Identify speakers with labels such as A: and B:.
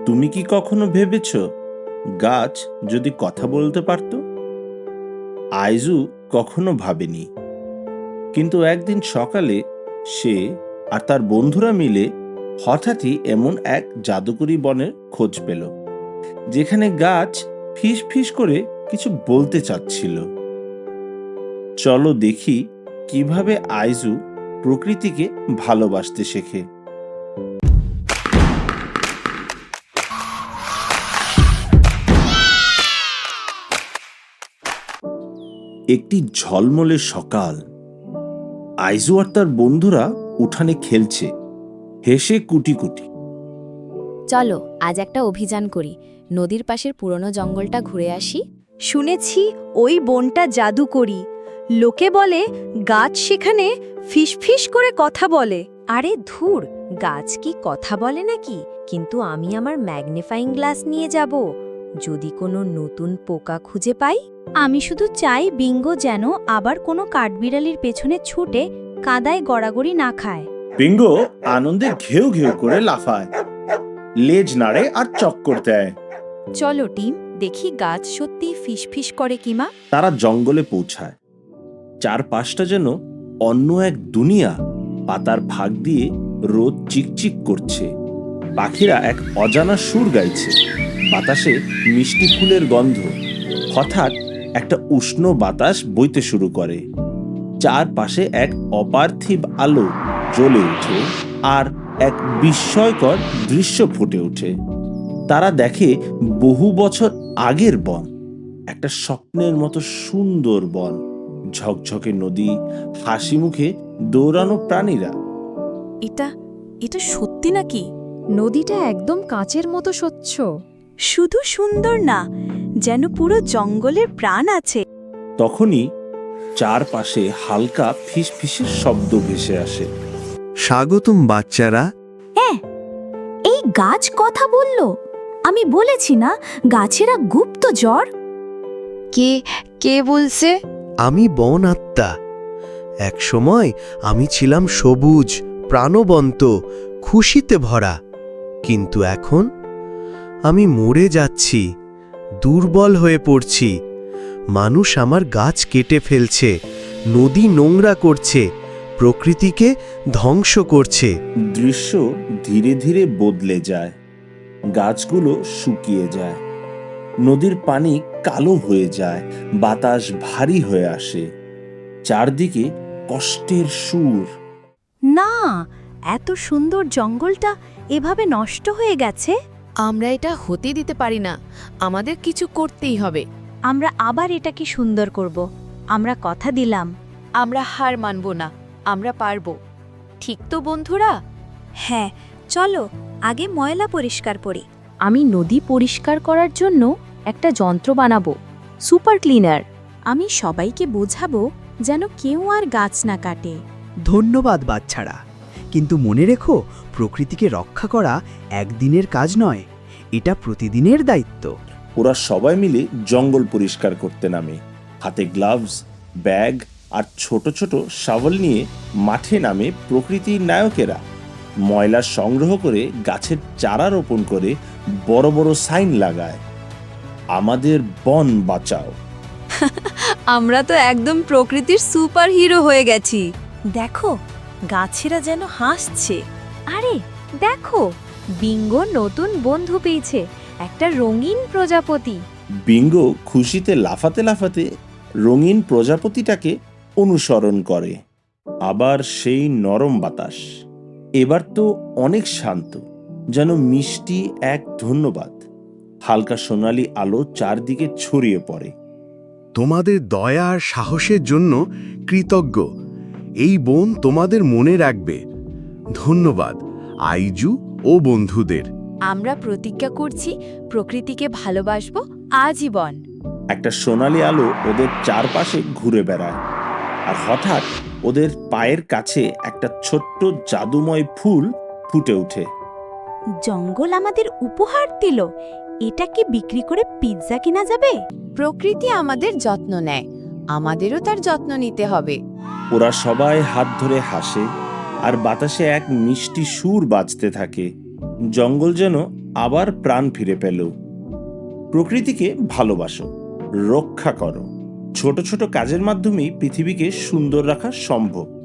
A: তুমি কি কখনো ভেবেছ গাছ যদি কথা বলতে পারত? আইজু কখনো ভাবেনি, কিন্তু একদিন সকালে সে আর তার বন্ধুরা মিলে হঠাৎই এমন এক জাদুকরী বনের খোঁজ পেল, যেখানে গাছ ফিস ফিস করে কিছু বলতে চাচ্ছিল। চলো দেখি কিভাবে আইজু প্রকৃতিকে ভালোবাসতে শেখে। একটি ঝলমলে সকাল। আইজু আর তার বন্ধুরা উঠানে খেলছে, হেসে কুটি কুটি।
B: চলো আজ একটা অভিযান করি, নদীর পাশের পুরনো জঙ্গলটা ঘুরে আসি।
C: শুনেছি ওই বনটা জাদুকরি। লোকে বলে গাছ সেখানে ফিসফিস করে কথা বলে।
B: আরে ধুর, গাছ কি কথা বলে নাকি? কিন্তু আমি আমার ম্যাগনিফাইং গ্লাস নিয়ে যাব, যদি কোনো নতুন পোকা খুঁজে পাই।
C: আমি শুধু চাই বিঙ্গো যেন আবার কোনো কাঠবিড়ালির পেছনে ছুটে কাদায় গড়াগড়ি না খায়।
A: বিঙ্গো আনন্দে ঘেউ ঘেউ করে লাফায়, লেজ নাড়ে আর চক্কর দেয়।
B: চলো টিম, দেখি গাছ সত্যি ফিসফিস করে কিমা।
A: তারা জঙ্গলে পৌঁছায়। চারপাশটা যেন অন্য এক দুনিয়া। পাতার ফাঁক দিয়ে রোদ চিকচিক করছে, পাখিরা এক অজানা সুর গাইছে, বাতাসে মিষ্টি ফুলের গন্ধ। হঠাৎ একটা উষ্ণ বাতাস বইতে শুরু করে, চারপাশে এক অপার্থিব আলো জ্বলে ওঠে আর এক বিস্ময়কর দৃশ্য ফুটে ওঠে। তারা দেখে বহু বছর আগের বন, একটা স্বপ্নের মতো সুন্দর বন, ঝকঝকে নদী, হাসি মুখে দৌড়ানো প্রাণীরা।
B: এটা এটা সত্যি নাকি?
C: নদীটা একদম কাঁচের মতো স্বচ্ছ। শুধু সুন্দর না, যেন পুরো জঙ্গলের প্রাণ আছে।
A: তখনই চারপাশে হালকা ফিসফিসের শব্দ ভেসে আসে।
D: স্বাগতম বাচ্চারা।
C: এই গাছ কথা বলল। আমি বলেছি না, গাছেরা গুপ্তচর।
B: কে কে বলছে?
D: আমি বন আত্মা। এক সময় আমি ছিলাম সবুজ, প্রাণবন্ত, খুশিতে ভরা। কিন্তু এখন আমি মরে যাচ্ছি, দুর্বল হয়ে পড়ছি। মানুষ আমার গাছ কেটে ফেলছে, নদী নোংরা করছে, প্রকৃতিকে ধ্বংস করছে।
A: দৃশ্য ধীরে ধীরে বদলে যায়। গাছগুলো শুকিয়ে যায়, নদীর পানি কালো হয়ে যায়, বাতাস ভারী হয়ে আসে, চারদিকে কষ্টের সুর।
C: না, এত সুন্দর জঙ্গলটা এভাবে নষ্ট হয়ে গেছে।
B: আমরা এটা হতে দিতে পারি না, আমাদের কিছু করতেই হবে।
C: আমরা আবার এটাকে সুন্দর করব। আমরা কথা দিলাম।
B: আমরা হার মানব না, আমরা পারবো। ঠিক তো বন্ধুরা?
C: হ্যাঁ, চলো আগে ময়লা পরিষ্কার করি।
B: আমি নদী পরিষ্কার করার জন্য একটা যন্ত্র বানাবো, সুপার ক্লিনার। আমি সবাইকে বোঝাবো যেন কেউ আর গাছ না কাটে।
E: ধন্যবাদ বাচ্চারা, কিন্তু মনে রেখো, প্রকৃতিকে রক্ষা করা একদিনের কাজ নয়, এটা প্রতিদিনের দায়িত্ব।
A: ওরা সবাই মিলে জঙ্গল পরিষ্কার করতে নামে, হাতে গ্লাভস, ব্যাগ আর ছোট ছোট শাওয়েল নিয়ে মাঠে নামে প্রকৃতির নায়কেরা। ময়লা সংগ্রহ করে গাছের চারা রোপণ করে বড় বড় সাইন লাগায়, আমাদের বন বাঁচাও।
C: আমরা তো একদম প্রকৃতির সুপার হিরো হয়ে গেছি। দেখো, গাছেরা যেন হাসছে। আরে দেখো, বিঙ্গো নতুন বন্ধু পেয়েছে, একটা রঙিন প্রজাপতি।
A: বিঙ্গো খুশিতে লাফাতে লাফাতে রঙিন প্রজাপতিটাকে অনুসরণ করে। আবার সেই নরম বাতাস, এবার তো অনেক শান্ত, যেন মিষ্টি এক ধন্যবাদ। হালকা সোনালি আলো চারদিকে ছড়িয়ে পড়ে।
F: তোমাদের দয়া আর সাহসের জন্য কৃতজ্ঞ। এই বন তোমাদের মনে রাখবে। ধন্যবাদ আইজু ও বন্ধুদের।
B: আমরা প্রতিজ্ঞা করছি প্রকৃতিকে ভালোবাসবো আজীবন।
A: একটা সোনালি আলো ওদের চারপাশে ঘুরে বেড়ায়, আর হঠাৎ ওদের পায়ের কাছে একটা ছোট্ট জাদুময় ফুল ফুটে ওঠে।
C: জঙ্গল আমাদের উপহার দিল। এটা কি বিক্রি করে পিৎজা কিনা যাবে?
B: প্রকৃতি আমাদের যত্ন নেয়, আমাদেরও তার যত্ন নিতে হবে।
A: ওরা সবাই হাত ধরে হাসে, আর বাতাসে এক মিষ্টি সুর বাজতে থাকে। জঙ্গল যেন আবার প্রাণ ফিরে পেল। প্রকৃতিকে ভালোবাসো, রক্ষা করো। ছোট ছোট কাজের মাধ্যমেই পৃথিবীকে সুন্দর রাখা সম্ভব।